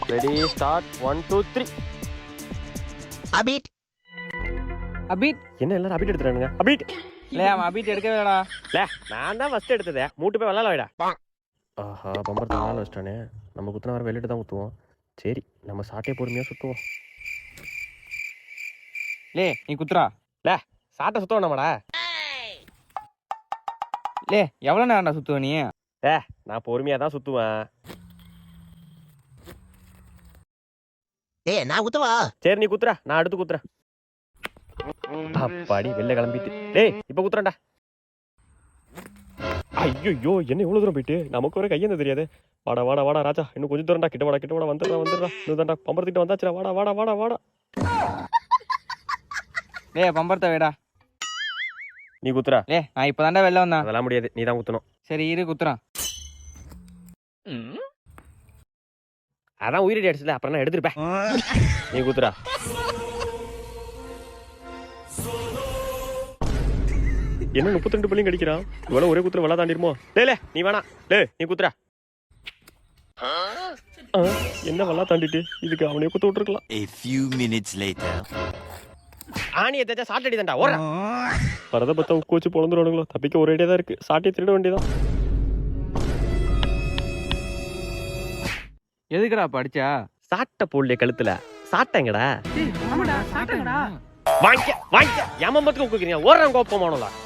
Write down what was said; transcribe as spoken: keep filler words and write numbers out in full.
Ready start one two three. அபீட் அபீட் என்ன எல்லாரும் அபீட் எடுத்துறானுங்க? அபீட் இல்ல அவன் அபீட் எடுக்கவே இல்லடா. லே நான் தான் ஃபர்ஸ்ட் எடுத்ததே. மூட்டு போய் விளாட வைடா. ஆஹா பம்பர் தான் வச்சிட்டானே. நம்ம குத்துன வர வெளியிட்டு தான் குத்துவோம். சரி நம்ம சாட்டே பொறுமையா சுத்துவோம். லே நீ குத்துறா. லே சாட்டை சுத்தம் நம்மடா. லே எவ்வளவு நேரம்டா சுத்துவ நீ? ஏ நான் பொறுமையா தான் சுத்துவேன். ஏய் நான் குத்தவா? சரி நீ குத்துறா, நான் அடுத்து குத்துறேன். அப்பாடி வெளில கிளம்பிட்டு. டேய் இப்ப குத்துறேன்டா. ஐயோ என்ன இவ்வளவு தூரம் போயிட்டு நமக்கு ஒரு கையெந்த தெரியாது. வாடா வாடா வாடா ராஜா, இன்னும் கொஞ்சம் தூரம்டா. கிட்ட வாடா கிட்ட வாடா, வந்துடுறா வந்துடுறா. இதுதான்டா பம்பரத்திட்ட வந்தாச்சுடா. வாடா வாடா வாடா வாடா. லே பம்பரத்தை வேடா. நீ குத்துறா. லே நான் இப்பதான்டா வெளில வந்தேன். அதெல்லாம் முடியாது, நீ தான் குத்தணும். சரி இரு குத்துறான். அதான் உயிரடி அடிச்சல, அப்புறம் நான் எடுத்துருப்பேன். நீ குத்துறா. என்ன முப்பத்தி ரெண்டு பள்ளியும் கடிக்கிறான். இவ்வளவு ஒரே குத்துற வெள்ளா தாண்டிருமோ? லே நீ வேணா. லே நீ குத்துறா. என்ன வெள்ளா தாண்டிட்டு இதுக்கு அவனையே குத்து விட்டுருக்கலாம். A few minutes later. ஆணியை தேச்சா சாட்டடி தான்டா. ஓடுறா. பரத பத்தா உக்கு வச்சு பொழந்துருவானுங்களோ. தப்பிக்க ஒரே ஐடியா தான் இருக்கு. சாட்டியை திருட வேண்டியதான். எதுக்குடா படிச்சா? சாட்டை போடலையே கழுத்துல. சாட்டைங்கடா. ஆமாடா சாட்டங்கடா. வாங்கிக்க வாங்கிக்க. எமம்பத்துக்கு உக்குறீங்க. ஓடுறாங்க கோப்பமானோல.